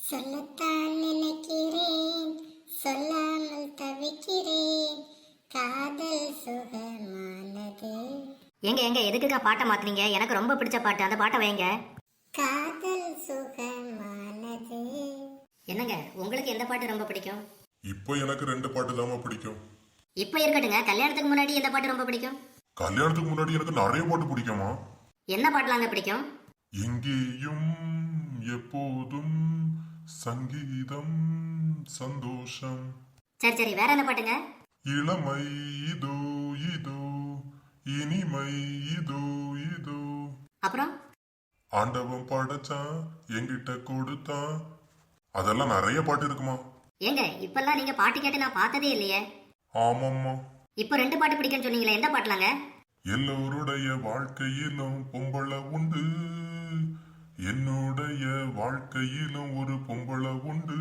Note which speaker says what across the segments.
Speaker 1: சொல்லத்தான் நினைக்கிறேன், சொல்லாமல் தவிக்கிறேன், காதல் சுகமானது.
Speaker 2: எங்க எங்க எதுக்குக்கா பாட்டை மாத்துனீங்க? எனக்கு ரொம்ப பிடிச்ச பாட்டு, அந்த பாட்டை வைங்க.
Speaker 1: காதல் சுகமானது.
Speaker 2: என்னங்க உங்களுக்கு எந்த பாட்டு ரொம்ப பிடிக்கும்?
Speaker 3: இப்போ எனக்கு 2 பாட்டு தாமா பிடிக்கும்.
Speaker 2: இப்ப இருக்கட்டுங்க, கல்யாணத்துக்கு முன்னாடி எந்த பாட்டு ரொம்ப பிடிக்கும்?
Speaker 3: கல்யாணத்துக்கு முன்னாடி எனக்கு நிறைய பாட்டு பிடிக்குமா.
Speaker 2: என்ன பாட்டுலாங்க பிடிக்கும்?
Speaker 3: எங்கேயும் எப்போதும் சங்கீதம் சந்தோஷம்.
Speaker 2: சரி சரி, வேற என்ன பாட்டுங்க?
Speaker 3: இளமை இதோ இதோ இனிமை இதோ இதோ.
Speaker 2: அப்புறம்
Speaker 3: ஆண்டவன் படைச்சான் என்கிட்ட கொடுத்தான். அதெல்லாம் நிறைய பாட்டு இருக்குமா.
Speaker 2: ஏங்க இப்பெல்லாம் நீங்க பாட்டு கேட்டு நான் பார்த்ததே இல்லையே.
Speaker 3: ஆமாம்மா.
Speaker 2: இப்போ 2 பாட்டு பிடிக்கும்னு சொன்னீங்களே, எந்த பாட்டுலாங்க?
Speaker 3: எல்லோருடைய வாழ்க்கையிலும் பொம்பளை உண்டு, என்னுடைய வாழ்க்கையிலும் ஒரு பொம்பளை உண்டு.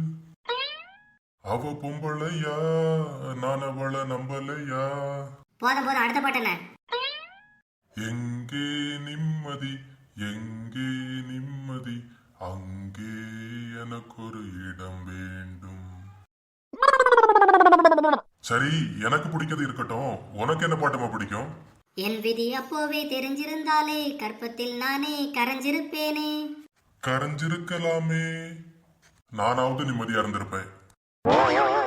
Speaker 3: அவ பொம்பளையா, நான் அவளை நம்பலையா.
Speaker 2: போதும் போதும், அடுத்த பாட்டு என்ன?
Speaker 3: எங்கே நிம்மதி எங்கே நிம்மதி, அங்கே எனக்கு ஒரு இடம் வேண்டும். சரி, எனக்கு பிடிக்கிறது இருக்கட்டும், உனக்கு என்ன பாட்டுமா பிடிக்கும்?
Speaker 2: என் விதி அப்போவே தெரிஞ்சிருந்தாலே கற்பத்தில் நானே கரைஞ்சிருப்பேனே.
Speaker 3: கரைஞ்சிருக்கலாமே, நானாவது நிம்மதியா இருந்திருப்பேன்.